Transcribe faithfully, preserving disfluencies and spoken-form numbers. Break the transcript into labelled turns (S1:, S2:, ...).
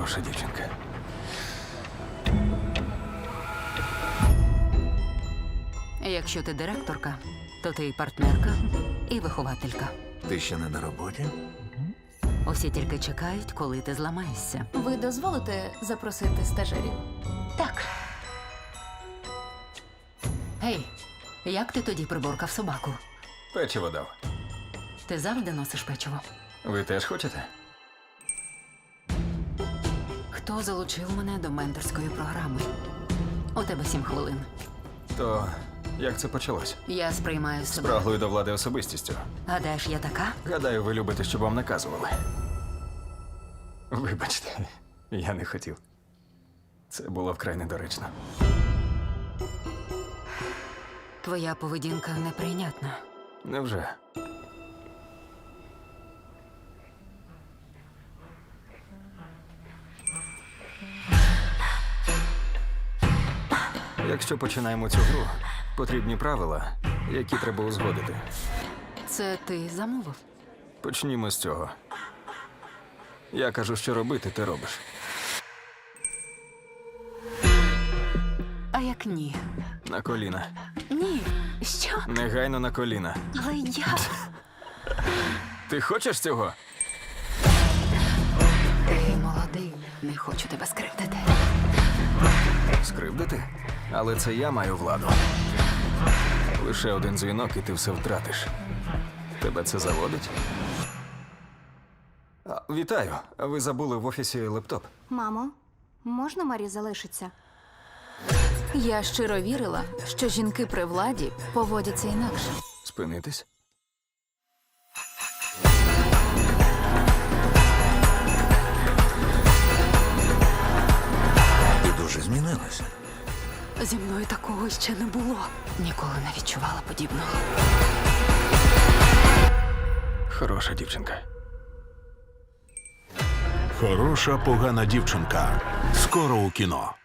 S1: хороша дівчинка.
S2: Якщо ти директорка, то ти і партнерка, і вихователька.
S1: Ти ще не на роботі?
S2: Усі тільки чекають, коли ти зламаєшся.
S3: Ви дозволите запросити стажерів?
S2: Так. Гей, як ти тоді приборкав собаку?
S1: Печиво дав.
S2: Ти завжди носиш печиво.
S1: Ви теж хочете?
S2: Хто залучив мене до менторської програми? У тебе сім хвилин.
S1: То як це почалось?
S2: Я сприймаю себе.
S1: Спраглою до влади особистістю.
S2: Гадаєш, я така?
S1: Гадаю, ви любите, щоб вам наказували. Вибачте, я не хотів. Це було вкрай недоречно.
S2: Твоя поведінка неприйнятна.
S1: Невже? Якщо починаємо цю гру, потрібні правила, які треба узгодити.
S2: Це ти замовив?
S1: Почнімо з цього. Я кажу, що робити, ти робиш.
S2: А як ні?
S1: На коліна.
S2: Ні. Що?
S1: Негайно на коліна.
S2: Але я...
S1: Ти хочеш цього?
S2: Ти молодий. Не хочу тебе скривдити.
S1: Скривдити? Але це я маю владу. Лише один дзвінок, і ти все втратиш. Тебе це заводить? А, вітаю. Ви забули в офісі лептоп.
S3: Мамо, можна Марі залишиться? Я щиро вірила, що жінки при владі поводяться інакше.
S1: Спинитись?
S4: Ти дуже змінилася.
S2: Зі мною такого ще не було. Ніколи не відчувала подібного.
S1: Хороша дівчинка.
S4: Хороша погана дівчинка. Скоро у кіно.